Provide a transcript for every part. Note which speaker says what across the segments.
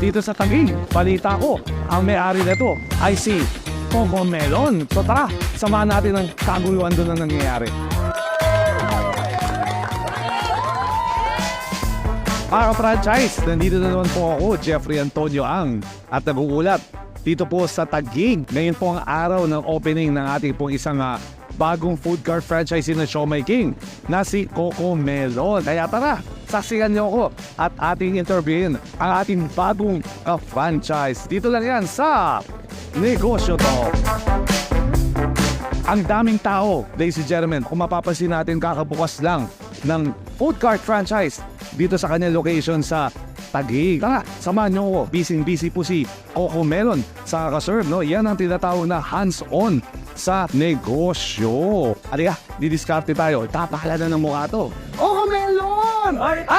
Speaker 1: dito sa Taguig. Balita ko, ang may-ari nito ay si Coco Melon. So tara, samahan natin ang kaguluhan doon na nangyayari. Para franchise, nandito na naman po ako, Jeffrey Antonio Ang, at nag-uulat dito po sa Taguig. Ngayon po ang araw ng opening ng ating pong isang bagong food cart franchise na Siomai King na si Coco Melon. Kaya tara, saksikan niyo ako at ating interviewin ang ating bagong franchise. Dito lang yan sa Negosyo Talk. Ang daming tao, ladies and gentlemen, kung mapapansin natin kakabukas lang ng food cart franchise dito sa kanyang location sa Taguig. Tara, samahan niyo ako. Busy po si Coco Melon sa kaserve, no? Yan ang tinatawag na hands-on sa negosyo. Halika, didiskarte tayo. Tapahala na ng mukha to. Coco Melon!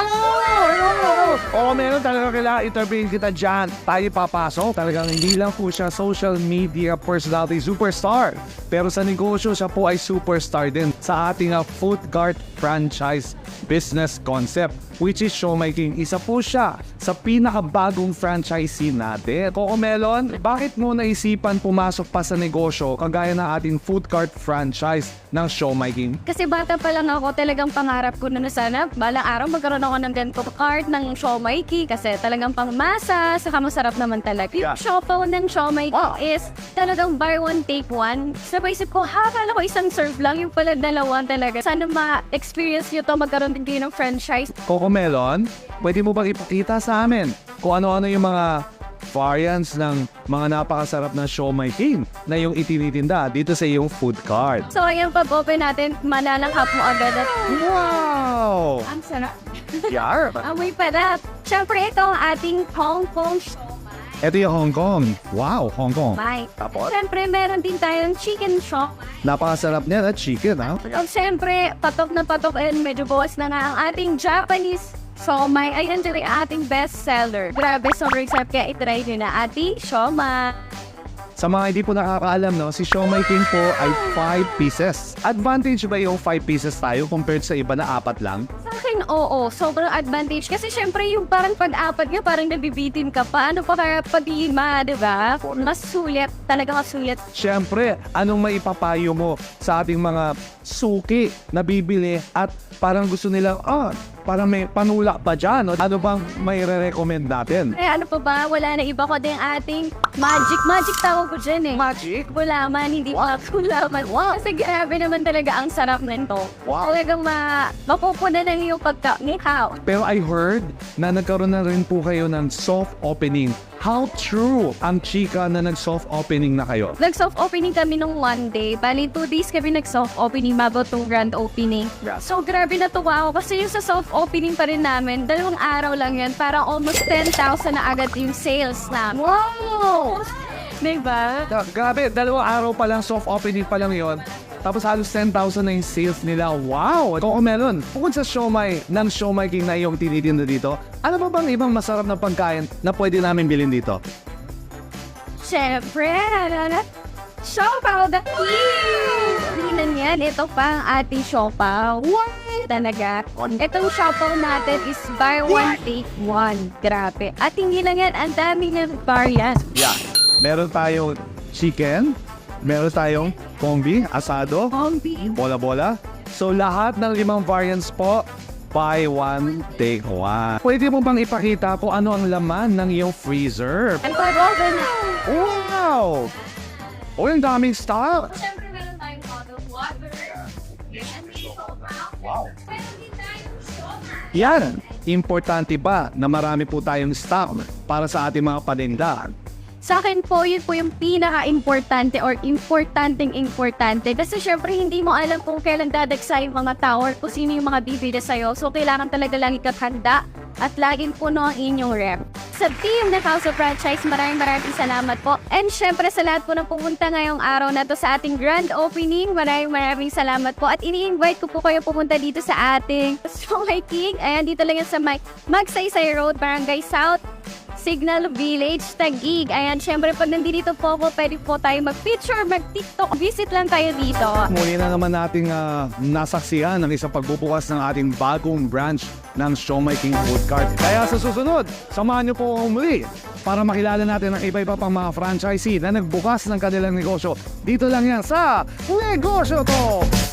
Speaker 1: Coco Melon, talaga kailangan interviewin kita dyan. Tayo papasok. Talagang hindi lang po siya social media personality superstar. Pero sa negosyo, siya po ay superstar din sa ating food cart franchise business concept, which is Siomai King. Isa po siya sa pinakabagong franchisee natin. Coco Melon, bakit mo naisipan pumasok pa sa negosyo kagaya ng ating food cart franchise ng Siomai King?
Speaker 2: Kasi bata pa lang ako, talagang pangarap ko na sana balang araw magkaroon ako ng ganito cart ng Siomai King kasi talagang pangmasa, saka masarap naman talaga. Yung siopaw ng Siomai King is talagang buy one, take one. So paisip ko, akala ko isang serve lang, yung pala dalawa talaga. Sana ma-experience nyo to, magkaroon din kayo ng franchise.
Speaker 1: Coco Melon, pwede mo bang ipakita sa amin kung ano-ano yung mga variants ng mga napakasarap na Siomai King na yung itinitinda dito sa iyong food cart?
Speaker 2: So ayan, pag-open natin, malalanghap mo agad at
Speaker 1: Wow!
Speaker 2: ang sarap.
Speaker 1: Yar!
Speaker 2: Amoy pa na. Siyempre, ito ang ating Hong Kong Siomai.
Speaker 1: Ito yung Hong Kong. Wow, Hong Kong. Tapos?
Speaker 2: Siyempre, meron din tayong chicken siomai.
Speaker 1: Napakasarap niya na chicken, ha?
Speaker 2: At siyempre, patok na patok and medyo bawas na nga ang ating Japanese siomai. Ayan dyan ang ating best seller. Grabe, sobrang sarap kaya itry nyo na ating siomai.
Speaker 1: Sa mga hindi po nakakaalam, no, si Siomai King po ay 5 pieces. Advantage ba yung 5 pieces tayo compared sa iba na 4 lang?
Speaker 2: Sa akin, oo. Sobrang advantage. Kasi syempre, yung parang pag-apat nga, parang nabibitin ka pa. Ano pa kaya pag-lima, diba? Mas sulit. Talaga mas sulit.
Speaker 1: Siyempre, anong maipapayo mo sa ating mga suki na bibili at parang gusto nilang, parang may panulak pa dyan. Ano bang may re-recommend natin?
Speaker 2: Eh, ano pa ba? Wala na iba ko din ating magic. Magic tawag ko dyan eh.
Speaker 1: Magic?
Speaker 2: Gulaman, hindi pa gulaman. Wow. Kasi grabe naman talaga ang sarap nito.
Speaker 1: Wow.
Speaker 2: Talagang mapupuna ng iyong pagka-nikaw.
Speaker 1: Pero I heard na nagkaroon na rin po kayo ng soft opening. How true ang chika na nag-soft opening na kayo?
Speaker 2: Nag-soft opening kami nung one day. Bali, 2 days kami nag-soft opening bago itong grand opening. So, grabe natuwa ako kasi yung sa soft opening pa rin namin, 2 araw lang yan. Parang almost 10,000 na agad yung sales na. Wow! Diba?
Speaker 1: Grabe, 2 araw pa lang, soft opening pa lang yon. Tapos halos 10,000 na yung sales nila. Wow! Coco Melon, bukod sa siomai ng Siomai King na iyong tinitinda dito, ano ba bang ibang masarap na pagkain na pwede namin bilhin dito?
Speaker 2: Siyempre, siopaw the king! Tingnan yan, ito pa ang ating siopaw. What? Talaga. Itong siopaw natin is buy one, take one. Grabe. At hindi lang yan, ang dami ng variant.
Speaker 1: Yeah. Meron tayong chicken, meron tayong kombi, asado, bola-bola. So lahat ng 5 variants po, buy one, take one. Pwede mo bang ipakita kung ano ang laman ng iyong freezer?
Speaker 2: And pag-open na.
Speaker 1: Wow! Oh, yung daming stock!
Speaker 2: Siyempre, meron tayong bottled water. And siopaw.
Speaker 1: Wow.
Speaker 2: Meron din tayong siomai.
Speaker 1: Yan! Importante ba na marami po tayong stock para sa ating mga paninda?
Speaker 2: Sa akin po, yun po yung pinaka-importante or importante. Kasi syempre, hindi mo alam kung kailan dadagsa yung mga tao or kung sino yung mga bibili sa'yo. So, kailangan talaga lang ikathanda at laging puno ang inyong rep. Sa team na House of Franchise, maraming salamat po. And syempre, sa lahat po na pumunta ngayong araw na to sa ating grand opening, maraming salamat po. At ini-invite ko po kayo pumunta dito sa ating Siomai King. Ayan, dito lang yan sa Magsaysay Road, Barangay South, Signal Village, Taguig. Ayan, syempre pag nandito po ako, pwede po tayo mag-picture, mag-tiktok. Visit lang tayo dito.
Speaker 1: Muli na naman nating nasaksihan ang isang pagbubukas ng ating bagong branch ng Siomai King Food Cart. Kaya sa susunod, samahan niyo po ako muli para makilala natin ang iba-iba pang mga franchisee na nagbukas ng kanilang negosyo. Dito lang yan sa Negosyo Talk!